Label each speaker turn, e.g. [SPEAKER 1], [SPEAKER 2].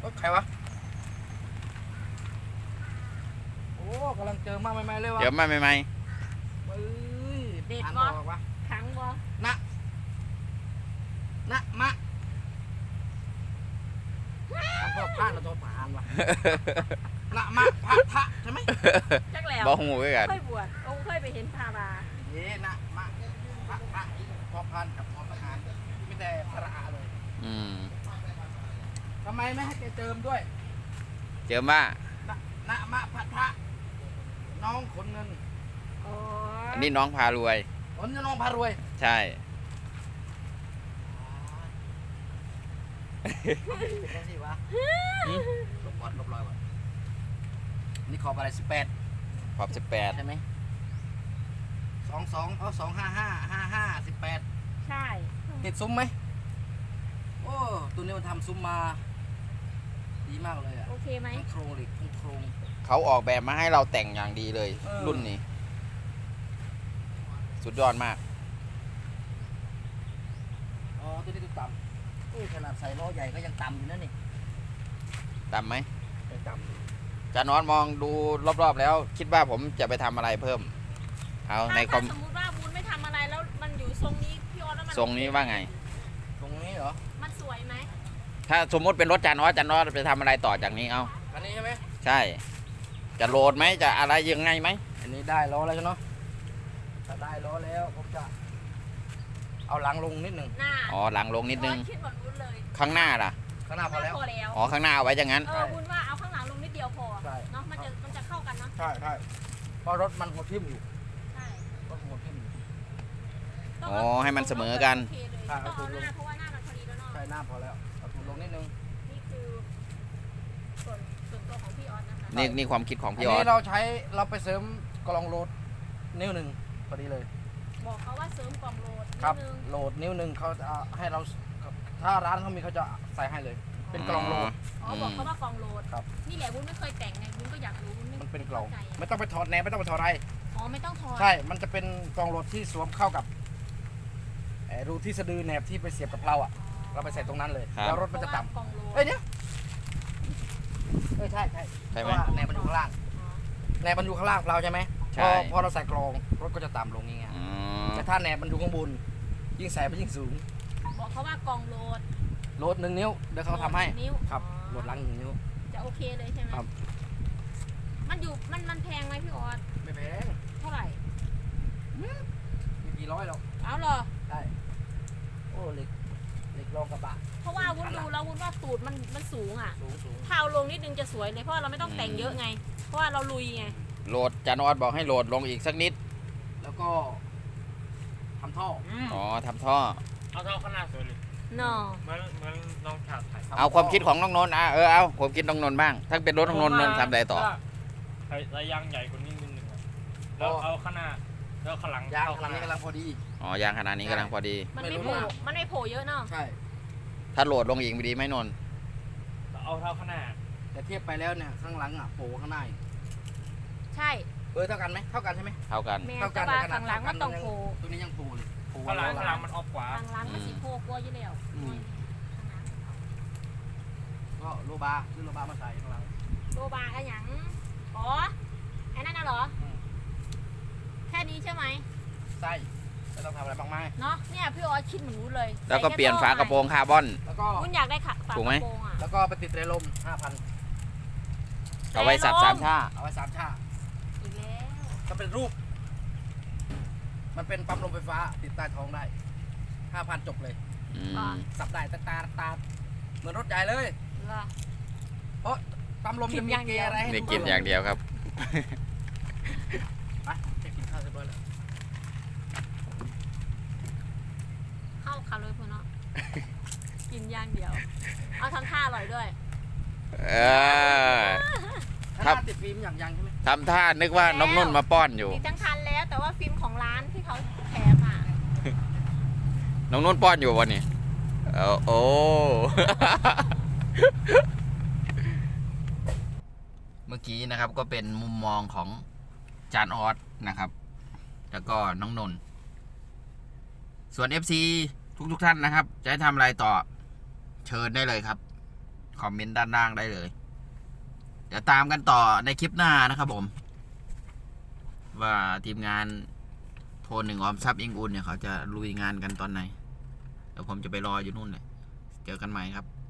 [SPEAKER 1] ใครวะโอ้กำลังเจอมาใหม่ๆเลยวะ
[SPEAKER 2] เจอมาใหม่
[SPEAKER 1] เฮ้ย
[SPEAKER 3] เด็ด
[SPEAKER 1] อ่าน
[SPEAKER 3] บ่
[SPEAKER 1] บอกวะ
[SPEAKER 3] ขังบ่
[SPEAKER 1] นะมะพ่อพลาดเราตัวผ่านวะนะมะพะทะใช่ไหม
[SPEAKER 3] จักแล้ว
[SPEAKER 2] บอกหูไว้กัน
[SPEAKER 3] เคยบวชองค์เคยไปเห็นพารา
[SPEAKER 1] เย้นะมะพะทะพอพานกับพอทหารไม่แต่พระอาเลย
[SPEAKER 2] อืม
[SPEAKER 1] ทำไมไม่ให้แกเจิมด้วย
[SPEAKER 2] เจอมา
[SPEAKER 1] นะมะพะทะน้องขนเงิน
[SPEAKER 3] โอ้
[SPEAKER 2] อันนี้น้องพารวย
[SPEAKER 1] ขนน้องพารวย
[SPEAKER 2] ใช่
[SPEAKER 1] ได้สิวะลบก่อนลบรอยก่อนนี่ขอบอะไร18
[SPEAKER 2] ขอบ18
[SPEAKER 1] ใช่ไหม22เอา255 18
[SPEAKER 3] ใช่
[SPEAKER 1] ติดซุ้มไหมโอ้ตัวนี้มันทำซุ้มมาดีมากเลยอ่ะ
[SPEAKER 3] โอเคไหม
[SPEAKER 1] ทั้งโครงเหล็กทั้งโครง
[SPEAKER 2] เขาออกแบบมาให้เราแต่งอย่างดีเลย รุ่นนี้ สุดยอดมาก
[SPEAKER 1] อ๋อตัวนี้ตัวต่ำขนาดใส่ล้อใหญ่ก็ยังต่ำอยู่นั่นนี่
[SPEAKER 2] ต่ำไหม
[SPEAKER 1] ยังต่ำอยู่
[SPEAKER 2] จานอนมองดูรอบๆแล้ว คิดว่าผมจะไปทำอะไรเพิ่ม เอาในคอ
[SPEAKER 3] ถ้าม สมมติว่าบุญไม่ทำอะไรแล้วมันอยู่ทรงนี้พี่ออสแล้วมัน
[SPEAKER 2] ทรงนี้ว่าไง
[SPEAKER 1] ตรงนี้เหรอ
[SPEAKER 3] มันสวยไหม
[SPEAKER 2] ถ้าสมมติเป็นรถจานอสจะทำอะไรต่อจากนี้เอา
[SPEAKER 1] อันนี้ใช่ไหม
[SPEAKER 2] ใช่ จะโหลดไหมจะอะไรยังไงไหม
[SPEAKER 1] อันนี้ได้ล้อแล้วใช่ไหมถ้าได้ล้อแล้วผมจะเอาหลังลงนิดหนึ่ง
[SPEAKER 3] หน้า
[SPEAKER 2] อ๋อหลังลงนิดนึง
[SPEAKER 3] คิดเหมือนบุญเลย
[SPEAKER 2] ข้างหน้าล่ะ
[SPEAKER 1] ข้างหน้าพอแล้ว
[SPEAKER 3] พอแล้ว
[SPEAKER 2] อ๋อข้างหน้าเอาไว้อย่างนั้น
[SPEAKER 3] บุญว่าเอาข้างหลังลงนิดเดียวพอ
[SPEAKER 1] ใช่
[SPEAKER 3] เนาะมันจะเข้ากันเนาะ
[SPEAKER 1] ใช่ใช่เพราะรถมันหัวทิ่มอยู่
[SPEAKER 3] ใช่
[SPEAKER 1] รถหัวทิ่มอยู่
[SPEAKER 3] ต้อง
[SPEAKER 2] อ๋อให้มันเสมอกัน
[SPEAKER 3] โอเคเลยต้องเอาหน้าเพราะว่าหน้ามันพอดีแล้วเนาะ
[SPEAKER 1] ใช่หน้าพอแล้วเอาถุงลงนิดนึง
[SPEAKER 3] นี่คือส่วนตัวของพี่ออสนะคะ
[SPEAKER 2] นี่ความคิดของ
[SPEAKER 1] อัน
[SPEAKER 2] พี่ออ
[SPEAKER 1] นี้
[SPEAKER 2] ส
[SPEAKER 1] เราไปเสริมกล่องโหลดนิ้วหนึ่งพอดีเลย
[SPEAKER 3] บอกเขาว่าเสริมกล่องโหลดนิ
[SPEAKER 1] ครับ
[SPEAKER 3] ดนึง
[SPEAKER 1] โหลดนิ้วหนึ่งเขาจะให้เราถ้าร้านเขามีเขาจะใส่ให้เลย เป็นกล่องโหลด
[SPEAKER 3] อ๋อบอกเขาว่ากล่องโหลด
[SPEAKER 1] ครับ
[SPEAKER 3] นี่แหละวุ้นไม่เคยแต่งไงวุ้นก็อยากรู้วุ้น
[SPEAKER 1] มันเป็นกล่อง
[SPEAKER 3] ข้าใจ
[SPEAKER 1] ไม่ต้องไปถอดแหนบไม่ต้องไปถอดอะไร
[SPEAKER 3] อ๋อไม่ต้องถอด
[SPEAKER 1] ใช่ มันจะเป็นกล่องโหลดที่สวมเข้ากับรูที่สะดือแหนบที่ไปเสียบกับเราอ่ะ เราไปใส่ตรงนั้นเลย แล้วรถมันจะต่ำ
[SPEAKER 3] เพราว่ากล่องโหลด
[SPEAKER 1] เอ้ยเดี๋ยวใช่
[SPEAKER 2] ใช่
[SPEAKER 1] เพ
[SPEAKER 2] ไหม
[SPEAKER 1] ราะว่าแหนบมันอยู่ข้างล่าง
[SPEAKER 3] อ๋อ
[SPEAKER 1] แหนบมันอยู่ข้างล่างเราใช่ไหม
[SPEAKER 2] ใช่
[SPEAKER 1] พอเราใส่กรองรถก็จะต่ำลงอย่างเงี้ย
[SPEAKER 2] อืม
[SPEAKER 1] แต่ถ้าแหนบมันอยู่ข้างบนยิ่งใส่ไปยิ่งสูง
[SPEAKER 3] บอกเขาว่ากล่องโหลด
[SPEAKER 1] โหลด1 นิ้วเดี๋ยวเขาทำให้
[SPEAKER 3] นิ้ว
[SPEAKER 1] ครับ
[SPEAKER 3] อ๋อ
[SPEAKER 1] โหลดหลัง1 นิ้ว
[SPEAKER 3] จะโอเคเลยใช่ไหม
[SPEAKER 1] ครับ
[SPEAKER 3] มันแพงไหมพี่ออส
[SPEAKER 1] ไม่แพง
[SPEAKER 3] เท่าไหร่
[SPEAKER 1] ไม่กี่ร้อยหรอก
[SPEAKER 3] เอาเหรอ
[SPEAKER 1] ได้โอ้เหล็กรองกระบะ
[SPEAKER 3] เพราะว่าวุ้นดูแล้ววุ้นว่าตูดมันสูงอ่ะ
[SPEAKER 1] สูง
[SPEAKER 3] ถ้าเอาลงนิดนึงจะสวยเลยเพราะว่าเราไม่ต้องแต่งเยอะไง เพราะว่าเราลุยไง
[SPEAKER 2] โหลดจานอสบอกให้โหลดลงอีกสักนิด
[SPEAKER 1] แล้วก็ทำท่อ
[SPEAKER 2] อ๋อทำท่อ
[SPEAKER 4] เอาเท่าขนาดสวยเลย
[SPEAKER 3] เนาะ
[SPEAKER 4] เหมือนน้องชาติไทย
[SPEAKER 2] เอาความคิดของน้องนนท์เอาความคิดน้องนนท์บ้าง ถ้าเป็นรถน้องนนท์ทำอะไรต่อ
[SPEAKER 4] ระยางใหญ่กว่านี้นิดนึงอะแล้วเอาข้างหน้าแล้วข้างหลัง
[SPEAKER 1] ยาง
[SPEAKER 4] เข้
[SPEAKER 1] กำลังนี้กำลังพอดี
[SPEAKER 2] อ๋อยางขนาดนี้กำลังพอดี
[SPEAKER 3] มัน
[SPEAKER 1] ไม่
[SPEAKER 3] ไม่
[SPEAKER 1] รู้
[SPEAKER 3] โผล่
[SPEAKER 1] นะ
[SPEAKER 3] มันไม่โผล่เยอะเนาะ
[SPEAKER 1] ใช่
[SPEAKER 2] ถ้าโหลดลงอีกไม่ดีไหมนนท์
[SPEAKER 4] เอาเท่าข้างหน้า
[SPEAKER 1] แต่เทียบไปแล้วเนี่ยข้างหลังอ่ะโผล่ข้างหน้าอีก
[SPEAKER 3] ใช่
[SPEAKER 1] เท่ากันไหมเท่ากันใช่ไหม
[SPEAKER 2] เท่ากัน
[SPEAKER 3] แมนจะว่าข้างหลังมันต้องโผล่
[SPEAKER 1] ตัวนี้ยังโผล่เลยโผล่
[SPEAKER 4] ข้างหลัง
[SPEAKER 1] แล้ว
[SPEAKER 4] ข้างหลังมันออกขวา
[SPEAKER 3] ข้างหลังมันสิโผล่กลัวอยู่แล้ว
[SPEAKER 1] ก็โลบาซื้อโลบามาใส่ข้างหลัง
[SPEAKER 3] โลบาอะไรหยังอ๋อไอ้นั่นน่ะเหรอ แค่นี้ใช่ไหม
[SPEAKER 1] ไส้ไม่ต้องทำอะไรมากมาย
[SPEAKER 3] เนาะเนี่ยพี่ออสคิดเหมือนวุ้นเลย
[SPEAKER 2] แล้วก็เปลี่ยนฝากระโปรงคาร์บอน
[SPEAKER 1] แล้วก็
[SPEAKER 3] วุ้นอยากได้ฝาก
[SPEAKER 2] ถู
[SPEAKER 3] ระ
[SPEAKER 2] กไหม
[SPEAKER 3] โปรงอ่ะ
[SPEAKER 1] แล้วก็ไปติดเรลม 5,000
[SPEAKER 2] เอาไว้สับ
[SPEAKER 3] แต่ลม
[SPEAKER 2] สามท่า
[SPEAKER 1] เอาไว้3 ชา
[SPEAKER 3] อีกแล้ว
[SPEAKER 1] ก็เป็นรูป มันเป็นปั๊มลมไฟฟ้าติดใต้ท้องได้ 5,000 จบเลย
[SPEAKER 2] อืม
[SPEAKER 1] สับได้ตาเหมือนรถใหญ่เลย
[SPEAKER 3] เหรอ
[SPEAKER 1] เพราะปั๊มลมจะมีเกียร์อะไรให้
[SPEAKER 2] นี่
[SPEAKER 1] ดู
[SPEAKER 2] กินอย่างเดียวครับ
[SPEAKER 1] ไปจะกินข้าวเรียบร้อยแล้ว
[SPEAKER 3] เข้าคาเลยพูเนาะ กินอย่างเดียว เอาทำท่าอร่อยด้วย
[SPEAKER 2] เออ
[SPEAKER 1] ถ้า
[SPEAKER 2] ครับ
[SPEAKER 1] ติดฟิล์มอย่างยังใช่ไหม
[SPEAKER 2] ทำท่านึกว่าน้องนุ่นมาป้อนอยู่
[SPEAKER 3] ติดทั้งคันแล้วแต่ว่าฟิล์มของร้านที่เขาแถมอ่ะ
[SPEAKER 2] น้องนุ่นป้อนอยู่วันนี้โอ้ เมื่อกี้นะครับก็เป็นมุมมองของจานออสนะครับ แล้วก็น้องนนท์ส่วน FC ทุกท่านนะครับ จะให้ทำอะไรต่อเชิญได้เลยครับคอมเมนต์ด้านล่างได้เลย เดี๋ยวตามกันต่อในคลิปหน้านะครับผม ว่าทีมงานโทรหนึ่งออมทรัพย์อิงอุ่นเนี่ยเขาจะลุยงานกันตอนไหน เดี๋ยวผมจะไปรออยู่นู่นแหละเจอกันใหม่ครับ